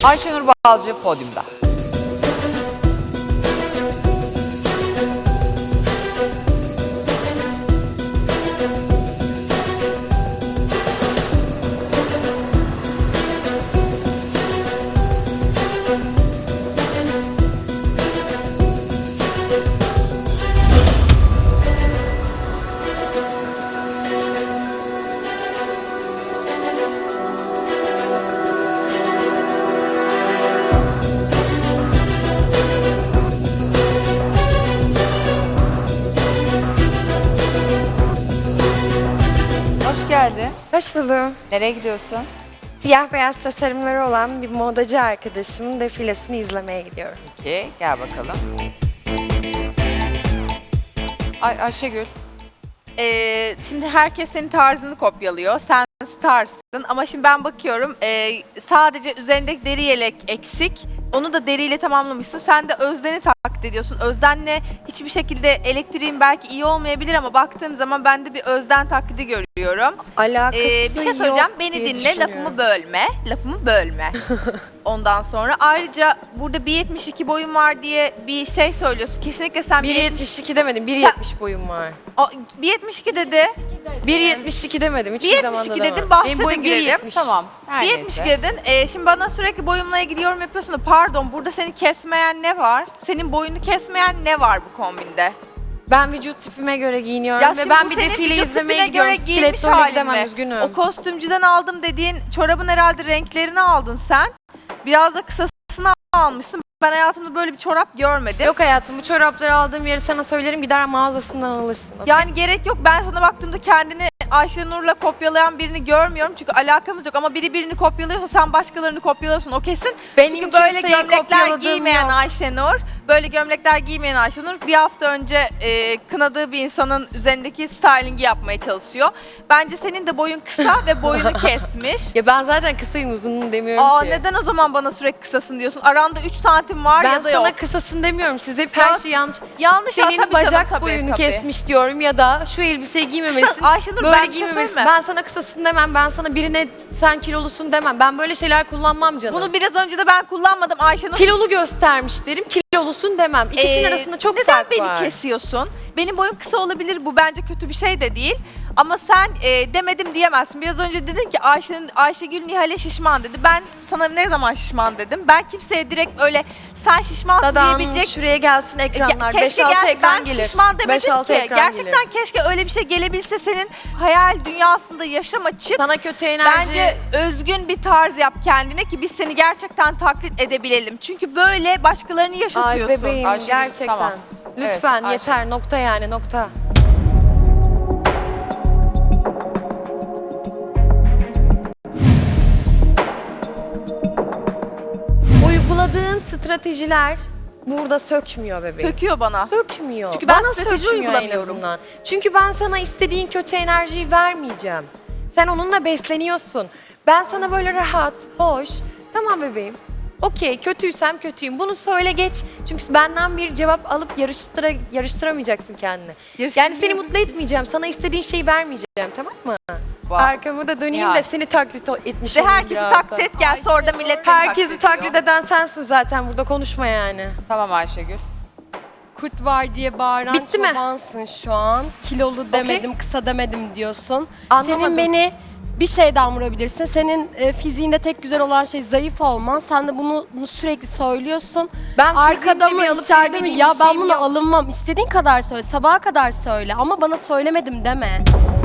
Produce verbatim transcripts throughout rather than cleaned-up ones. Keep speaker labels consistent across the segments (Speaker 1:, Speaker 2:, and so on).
Speaker 1: Ayşenur Balcı podyumda. Hoş geldin.
Speaker 2: Hoş buldum.
Speaker 1: Nereye gidiyorsun?
Speaker 2: Siyah beyaz tasarımları olan bir modacı arkadaşımın defilesini izlemeye gidiyorum.
Speaker 1: Peki, gel bakalım. Ay Ayşegül.
Speaker 3: Ee, şimdi herkes senin tarzını kopyalıyor. Sen starsın ama şimdi ben bakıyorum ee, sadece üzerindeki deri yelek eksik. Onu da deriyle tamamlamışsın. Sen de Özden'i taklit ediyorsun. Özden'le hiçbir şekilde elektriğin belki iyi olmayabilir ama baktığım zaman ben de bir Özden taklidi görüyorum.
Speaker 2: Alakası
Speaker 3: Ee, bir şey söyleyeceğim.
Speaker 2: yok
Speaker 3: Beni
Speaker 2: diye
Speaker 3: dinle, lafımı
Speaker 2: düşünüyorum.
Speaker 3: bölme. Lafımı bölme. Ondan sonra ayrıca burada bir yetmiş iki boyun var diye bir şey söylüyorsun. Kesinlikle sen
Speaker 2: bir
Speaker 3: bir
Speaker 2: yetmiş iki demedim, bir yetmiş boyum var.
Speaker 3: bir yetmiş iki dedi.
Speaker 2: bir yetmiş iki demedim, hiçbir
Speaker 3: bir
Speaker 2: zaman da
Speaker 3: yetmiş iki
Speaker 2: demem.
Speaker 3: dedim, bahse
Speaker 2: Benim
Speaker 3: de
Speaker 2: boyum bir
Speaker 3: girelim.
Speaker 2: yetmiş.
Speaker 1: Tamam. Her
Speaker 3: bir yetmiş iki
Speaker 1: neyse.
Speaker 3: dedin. Ee, şimdi bana sürekli boyumla ilgili yorum yapıyorsun da pardon, burada seni kesmeyen ne var? Senin boyunu kesmeyen ne var bu kombinde?
Speaker 2: Ben vücut tipime göre giyiniyorum
Speaker 3: Ya
Speaker 2: ve
Speaker 3: şimdi
Speaker 2: ben
Speaker 3: bu
Speaker 2: bir
Speaker 3: senin
Speaker 2: defile
Speaker 3: vücut
Speaker 2: izlemeye
Speaker 3: tipine
Speaker 2: gidiyorum.
Speaker 3: göre giyinmiş
Speaker 2: Stilettoyla
Speaker 3: halin
Speaker 2: gidemem,
Speaker 3: mi?
Speaker 2: üzgünüm.
Speaker 3: O kostümcüden aldım dediğin çorabın herhalde renklerini aldın sen. Biraz da kısasını almışsın. Ben hayatımda böyle bir çorap görmedim.
Speaker 2: Yok hayatım, bu çorapları aldığım yeri sana söylerim, gider mağazasından alırsın. okey?
Speaker 3: Yani gerek yok. Ben sana baktığımda kendini Ayşenur'la kopyalayan birini görmüyorum. Çünkü alakamız yok. Ama biri birini kopyalıyorsa sen başkalarını kopyalıyorsun. O kesin.
Speaker 2: Benim
Speaker 3: Çünkü böyle
Speaker 2: kimseyi
Speaker 3: gömlekler
Speaker 2: kopyaladığım
Speaker 3: giymeyen
Speaker 2: yok.
Speaker 3: Ayşenur, böyle gömlekler giymeyen Ayşenur bir hafta önce e, kınadığı bir insanın üzerindeki stylingi yapmaya çalışıyor. Bence senin de boyun kısa ve boyunu kesmiş.
Speaker 2: Ya ben zaten kısayım, uzunum demiyorum
Speaker 3: Aa,
Speaker 2: ki.
Speaker 3: neden o zaman bana sürekli kısasın diyorsun? Aranda üç santim var
Speaker 2: Ben
Speaker 3: ya da
Speaker 2: sana
Speaker 3: yok.
Speaker 2: kısasın demiyorum. Siz hep her
Speaker 3: Ya,
Speaker 2: şeyi yanlış.
Speaker 3: Yanlış ya,
Speaker 2: Senin
Speaker 3: tabii canım,
Speaker 2: bacak
Speaker 3: tabii,
Speaker 2: boyunu
Speaker 3: tabii.
Speaker 2: kesmiş diyorum ya da şu elbiseyi giymemelisin.
Speaker 3: Kısa- Ayşenur,
Speaker 2: böyle
Speaker 3: ben bir şey
Speaker 2: giymemelisin.
Speaker 3: söyleyeyim mi?
Speaker 2: Ben sana kısasın demem. Ben sana birine sen kilolusun demem. Ben böyle şeyler kullanmam canım.
Speaker 3: Bunu biraz önce de ben kullanmadım Ayşenur.
Speaker 2: kilolu göstermiş derim. Kilolusun demem. İkisinin
Speaker 3: Ee,
Speaker 2: arasında çok
Speaker 3: neden
Speaker 2: fark
Speaker 3: beni
Speaker 2: var.
Speaker 3: kesiyorsun? Benim boyum kısa olabilir, bu bence kötü bir şey de değil. Ama sen e, demedim diyemezsin. Biraz önce dedin ki Ayşe, Ayşegül Nihal'e şişman dedi. Ben sana ne zaman şişman dedim? Ben kimseye direkt öyle sen şişmansın
Speaker 2: Dadan
Speaker 3: diyebilecek...
Speaker 2: şuraya gelsin ekranlar.
Speaker 3: Ke-
Speaker 2: beş
Speaker 3: keşke
Speaker 2: altı
Speaker 3: gel-
Speaker 2: ekran
Speaker 3: ben
Speaker 2: gelir.
Speaker 3: şişman demedim
Speaker 2: beş altı
Speaker 3: ki.
Speaker 2: ekran
Speaker 3: Gerçekten
Speaker 2: gelir.
Speaker 3: keşke öyle bir şey gelebilse, senin hayal dünyasında yaşama, çık.
Speaker 2: Sana kötü enerji...
Speaker 3: Bence özgün bir tarz yap kendine ki biz seni gerçekten taklit edebilelim. Çünkü böyle başkalarını
Speaker 2: Ay
Speaker 3: yaşatıyorsun.
Speaker 2: bebeğim
Speaker 1: Ayşegül,
Speaker 2: gerçekten.
Speaker 1: tamam.
Speaker 2: Lütfen
Speaker 1: Evet,
Speaker 2: yeter, nokta yani nokta. Uyguladığın stratejiler burada sökmüyor bebeğim.
Speaker 3: Söküyor bana.
Speaker 2: Sökmüyor.
Speaker 3: Çünkü ben
Speaker 2: Bana
Speaker 3: strateji
Speaker 2: sökmüyor en
Speaker 3: uygulamıyorum.
Speaker 2: azından. Çünkü ben sana istediğin kötü enerjiyi vermeyeceğim. Sen onunla besleniyorsun. Ben sana böyle rahat, hoş, tamam bebeğim. Okey, kötüysem kötüyüm. Bunu söyle geç. Çünkü benden bir cevap alıp yarıştıra, yarıştıramayacaksın kendini. Yani seni mutlu etmeyeceğim. Sana istediğin şeyi vermeyeceğim, tamam mı?
Speaker 1: Vay.
Speaker 2: Arkamı da döneyim
Speaker 1: Ya.
Speaker 2: de seni taklit o- etmiş
Speaker 3: İşte
Speaker 2: olayım
Speaker 3: herkesi
Speaker 2: biraz da.
Speaker 3: taklit et gel, sonra da millet beni
Speaker 2: Herkesi taklit
Speaker 3: ediyor.
Speaker 2: eden sensin zaten, burada konuşma yani.
Speaker 1: Tamam Ayşegül.
Speaker 4: Kurt var diye bağıran
Speaker 2: Bitti mi?
Speaker 4: çobansın şu an. Kilolu demedim, kısa demedim diyorsun.
Speaker 2: Anlamadım.
Speaker 4: Senin beni bir şeyden vurabilirsin. Senin e, fiziğinde tek güzel olan şey zayıf olman. Sen de bunu, bunu sürekli söylüyorsun.
Speaker 2: Ben
Speaker 4: Arkada mı,
Speaker 2: alıp
Speaker 4: içeride mi?
Speaker 2: vermediğim
Speaker 4: Ya
Speaker 2: bir
Speaker 4: ben
Speaker 2: şeyim
Speaker 4: bunu
Speaker 2: yok.
Speaker 4: alınmam. İstediğin kadar söyle, sabaha kadar söyle. Ama bana söylemedim deme.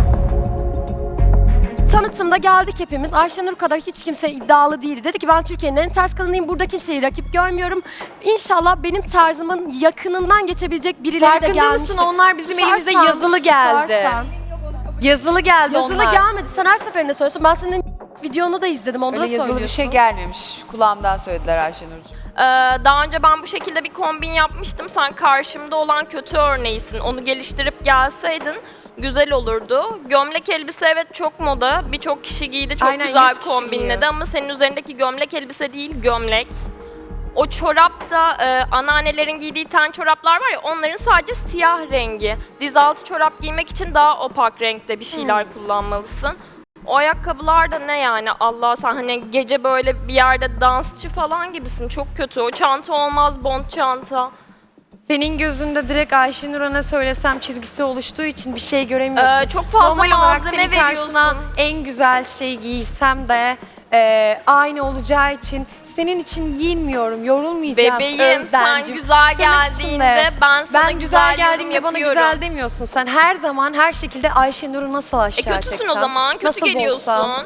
Speaker 4: Tanıtımda geldik hepimiz. Ayşenur kadar hiç kimse iddialı değildi. Dedi ki ben Türkiye'nin en ters kadınıyım. Burada kimseyi rakip görmüyorum. İnşallah benim tarzımın yakınından geçebilecek birileri de
Speaker 2: Farkında
Speaker 4: gelmiştir.
Speaker 2: mısın? Onlar bizim elimizde
Speaker 4: Sarsan,
Speaker 2: yazılı geldi.
Speaker 4: sarsan.
Speaker 2: Yazılı geldi
Speaker 4: Yazılı
Speaker 2: onlar.
Speaker 4: gelmedi. Sen her seferinde söylüyorsun. Ben senin videonu da izledim. Onu
Speaker 1: Öyle
Speaker 4: da
Speaker 1: yazılı
Speaker 4: söylüyorsun.
Speaker 1: bir şey gelmemiş. Kulağımdan söylediler Ayşenurcuğum.
Speaker 5: Ee, daha önce ben bu şekilde bir kombin yapmıştım. Sen karşımda olan kötü örneğisin. Onu geliştirip gelseydin güzel olurdu. Gömlek elbise evet çok moda. Birçok kişi giydi. Çok
Speaker 2: Aynen,
Speaker 5: güzel
Speaker 2: yüz kişi
Speaker 5: kombinledi
Speaker 2: giyiyor.
Speaker 5: ama senin üzerindeki gömlek elbise değil, gömlek. O çorap da e, anneannelerin giydiği ten çoraplar var ya, onların sadece siyah rengi. Dizaltı çorap giymek için daha opak renkte bir şeyler kullanmalısın. O ayakkabılar da ne yani Allah sen hani gece böyle bir yerde dansçı falan gibisin. Çok kötü. O çanta olmaz, bond çanta.
Speaker 2: Senin gözünde direkt Ayşenur'a ne söylesem çizgisi oluştuğu için bir şey göremiyorsun.
Speaker 5: Ee, çok fazla
Speaker 2: Normal olarak
Speaker 5: malzeme
Speaker 2: senin karşına
Speaker 5: veriyorsun.
Speaker 2: en güzel şey giysem de e, aynı olacağı için senin için giyinmiyorum, yorulmayacağım.
Speaker 5: Bebeğim sen
Speaker 2: Özlemcim.
Speaker 5: güzel
Speaker 2: Tırnak
Speaker 5: geldiğinde
Speaker 2: içinde.
Speaker 5: ben sana
Speaker 2: Ben güzel
Speaker 5: güzel
Speaker 2: geldiğimde
Speaker 5: yorum
Speaker 2: bana
Speaker 5: yapıyorum.
Speaker 2: güzel demiyorsun. Sen her zaman her şekilde Ayşenur'u nasıl
Speaker 5: E
Speaker 2: aşağı
Speaker 5: kötüsün
Speaker 2: çeksem,
Speaker 5: o zaman. Kötü
Speaker 2: nasıl
Speaker 5: geliyorsun.
Speaker 2: bozsam.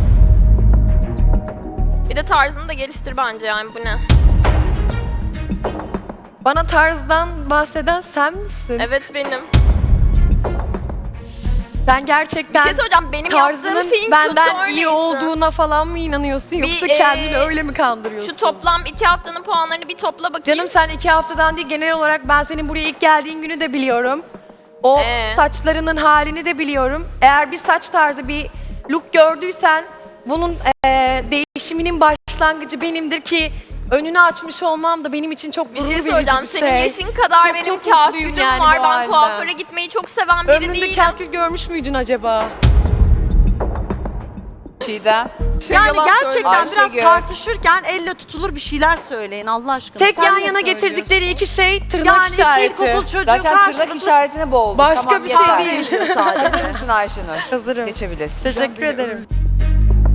Speaker 5: Bir de tarzını da geliştir bence yani bu ne?
Speaker 2: Bana tarzdan bahseden sen misin?
Speaker 5: Evet benim.
Speaker 2: Sen
Speaker 5: Bir
Speaker 2: gerçekten
Speaker 5: şey söyleyeceğim. Benim
Speaker 2: tarzının
Speaker 5: yaptığım şeyin
Speaker 2: benden
Speaker 5: kötü örneğisin.
Speaker 2: iyi olduğuna falan mı inanıyorsun
Speaker 5: Bir,
Speaker 2: yoksa
Speaker 5: e,
Speaker 2: kendini öyle mi kandırıyorsun?
Speaker 5: Şu toplam iki haftanın puanlarını bir topla bakayım.
Speaker 2: Canım sen iki haftadan değil genel olarak ben senin buraya ilk geldiğin günü de biliyorum. O
Speaker 5: Ee?
Speaker 2: saçlarının halini de biliyorum. Eğer bir saç tarzı bir look gördüysen bunun eee, değişiminin başlangıcı benimdir ki önünü açmış olmam da benim için çok
Speaker 5: Bir
Speaker 2: gurur
Speaker 5: şey
Speaker 2: verici
Speaker 5: söyleyeceğim.
Speaker 2: bir
Speaker 5: Senin
Speaker 2: şey.
Speaker 5: yaşın kadar
Speaker 2: Çok,
Speaker 5: benim
Speaker 2: çok mutluyum
Speaker 5: kahkülüm
Speaker 2: yani
Speaker 5: var.
Speaker 2: bu
Speaker 5: Ben
Speaker 2: halden.
Speaker 5: kuaföre gitmeyi çok seven biri
Speaker 2: Ömründe
Speaker 5: değilim.
Speaker 2: kalkül görmüş müydün acaba?
Speaker 1: Çiğdem.
Speaker 6: Yani
Speaker 2: yalan
Speaker 6: gerçekten
Speaker 1: söylüyor.
Speaker 6: biraz
Speaker 1: Ayşegül.
Speaker 6: tartışırken elle tutulur bir şeyler söyleyin Allah aşkına.
Speaker 2: Tek
Speaker 6: Sen
Speaker 2: yan
Speaker 6: ne
Speaker 2: yana
Speaker 6: söylüyorsun?
Speaker 2: getirdikleri iki şey tırnak
Speaker 6: yani
Speaker 2: işareti.
Speaker 6: iki ilkokul çocuğu
Speaker 1: Zaten tırnak
Speaker 6: karşılıklı
Speaker 1: işaretini boğuldu.
Speaker 2: Başka
Speaker 1: Tamam,
Speaker 2: bir şey
Speaker 1: yeter.
Speaker 2: değil.
Speaker 1: Hazır mısın Ayşenur?
Speaker 2: Hazırım.
Speaker 1: Geçebilirsin.
Speaker 2: Teşekkür ederim.